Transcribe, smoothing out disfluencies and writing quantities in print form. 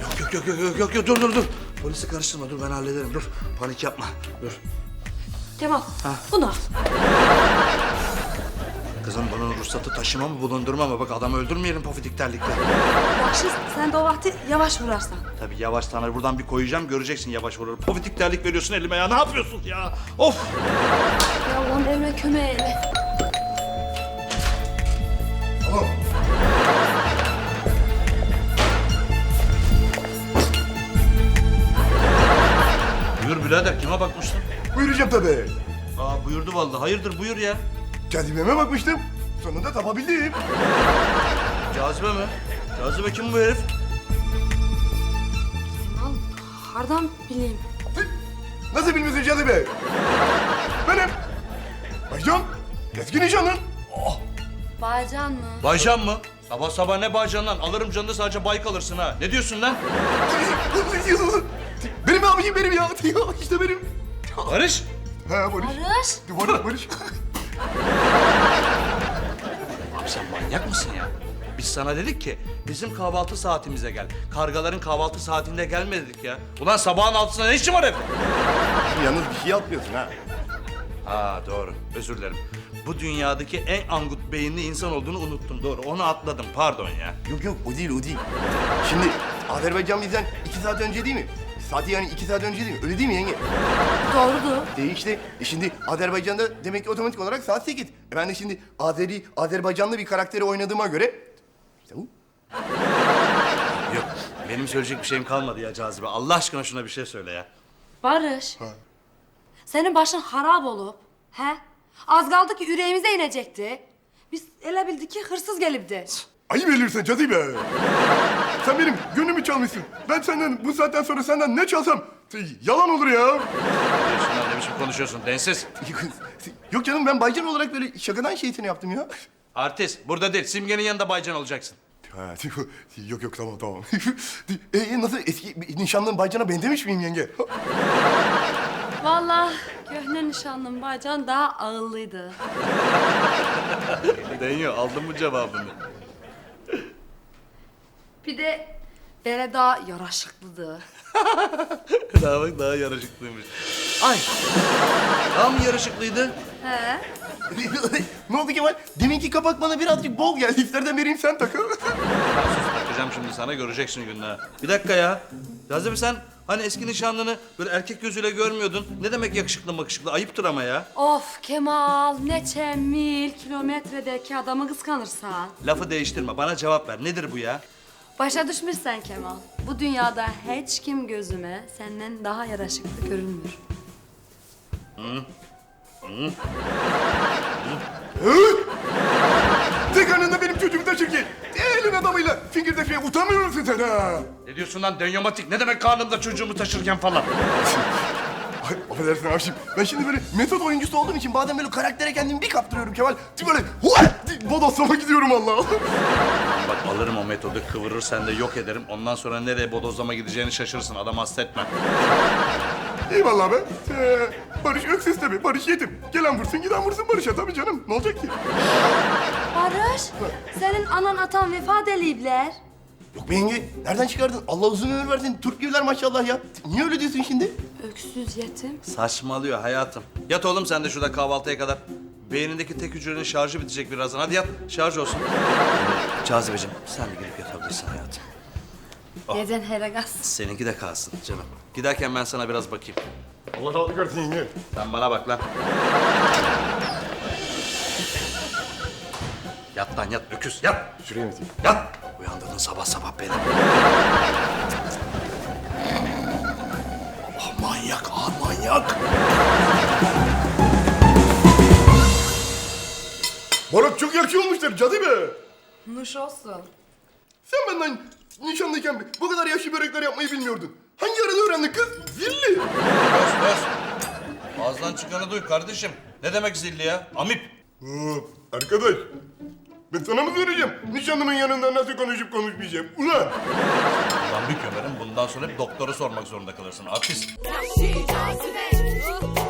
Yok, dur. Polisi karıştırma, dur ben hallederim, dur. Panik yapma, dur. Kemal, bunu al. Kızım bunun ruhsatı taşıma mı bulundurma mı? Bak adamı öldürmeyelim pofidik terlikle. Yakşı, sen de o vakti yavaş vurarsan. Tabii yavaş tanır buradan bir koyacağım göreceksin yavaş vurur. Pofidik terlik veriyorsun elime ya, ne yapıyorsun ya? Of! Ya Allah'ım elime kömeğe ele. Tamam. Buyur birader, kime bakmıştın? Buyuracağım tabii. Aa buyurdu vallahi. Hayırdır buyur ya. Cazibeme bakmıştım. Sonunda tapabildim. Cazibe mi? Cazibe kim bu herif? Kemal, hardan bileyim. Nasıl bilmiyorsun cazibe? Benim. Baycan. Eski nişanlın. Baycan mı? Baycan mı? Sabah sabah ne Baycan lan? Alırım canını sadece bay kalırsın ha. Ne diyorsun lan? Benim abicim benim ya. İşte benim. Barış. Ha Barış. Barış. Abi sen manyak mısın ya? Biz sana dedik ki bizim kahvaltı saatimize gel. Kargaların kahvaltı saatinde gelme dedik ya. Ulan sabahın altısında ne işin var evde? Yalnız bir şey atmıyorsun ha. Ha doğru, özür dilerim. Bu dünyadaki en angut beyinli insan olduğunu unuttum, doğru. Onu atladım, pardon ya. Yok o değil. Şimdi Azerbaycan bizden 2 saat önce değil mi? Saati yani 2 saat önce değil mi? Öyle değil mi yenge? Doğrudur. İşte şimdi Azerbaycan'da demek ki otomatik olarak saat 8. Ben de şimdi Azerbaycanlı bir karakteri oynadığıma göre... İşte bu. Yok, benim söyleyecek bir şeyim kalmadı ya Cazibe. Allah aşkına şuna bir şey söyle ya. Barış. Senin başın harap olup, he? Az kaldı ki yüreğimize inecekti. Biz ele bildik ki hırsız gelipti. Ayıp ediyorsun cazibe. Sen benim gönlümü çalmışsın. Ben senden bu saatten sonra senden ne çalsam yalan olur ya. Diyorsun lan, ne biçim konuşuyorsun, densiz. Yok canım ben Baycan olarak böyle şakadan şeytini yaptım ya. Artist, burada değil, Simge'nin yanında Baycan olacaksın. Ha, yok tamam. Nasıl eski nişanlın Baycan'a benzemiş miyim yenge? Vallahi köhne nişanlım Baycan daha ağıllıydı. Deniyor, aldın mı cevabını? Bir de böyle daha yaraşıklıydı. Daha bak, daha yarışıklıymış. Ay, daha mı yarışıklıydı? He? Ne oldu Kemal? Deminki kapak bana birazcık bol geldi. İsterden vereyim sen takıl. Bakacağım şimdi sana, göreceksin gününü ha. Bir dakika ya. Cazibe sen hani eski nişanlını böyle erkek gözüyle görmüyordun. Ne demek yakışıklı makışıklı? Ayıptır ama ya. Of Kemal, neçe mil kilometredeki adamı kıskanırsan. Lafı değiştirme, bana cevap ver. Nedir bu ya? Başa düşmüşsen Kemal. Bu dünyada hiç kim gözüme senden daha yaraşıklı görünmüyor. Tek anında benim çocuğumu taşır ki. Elin adamıyla fingirdeşmeye utanmıyor musun sen ha? Ne diyorsun lan denyomatik? Ne demek karnımda çocuğumu taşırken falan? Ay, affedersin abiciğim. Ben şimdi böyle metot oyuncusu olduğum için bazen böyle karaktere kendimi bir kaptırıyorum Kemal. Böyle bodoslama gidiyorum Allah. Bak alırım o metodu, kıvırır sen de yok ederim. Ondan sonra nereye bodozlama gideceğini şaşırırsın. Adam hasta etme. Eyvallah be. Barış öksüz tabii. Barış yetim. Gelen vursun giden vursun Barış'a tabii canım. Ne olacak ki? Barış, senin anan atan vefat eliyipler. Yok be yenge. Nereden çıkardın? Allah uzun ömür versin. Türk gibiler maşallah ya. Niye öyle diyorsun şimdi? Öksüz yetim. Saçmalıyor hayatım. Yat oğlum sen de şurada kahvaltıya kadar. Beynindeki tek hücrenin şarjı bitecek birazdan. Hadi yat, şarj olsun. Cazibeciğim, sen de gidip yatabilirsin hayatım. Neden Heragas? Seninki de kalsın canım. Giderken ben sana biraz bakayım. Allah razı olsun yenge. Sen bana bak lan. Yat lan yat, öküz yat. Şuraya mı atayım? Yat. Uyandırdın sabah sabah beni. Allah manyak, manyak. Barak çok yakışıyor olmuşlar cazibe. Nuş olsun. Sen benden nişanlıyken bu kadar yaşlı börekler yapmayı bilmiyordun. Hangi arada öğrendin kız? Zilli. Öz. Ağzından çıkanı duy kardeşim. Ne demek zilli ya? Amip. Arkadaş. Ben sana mı söyleyeceğim? Nişanlımın yanında nasıl konuşup konuşmayacağım? Ulan! Ulan bir kömerim bundan sonra hep doktoru sormak zorunda kalırsın. Artist. Vahşi cazibe.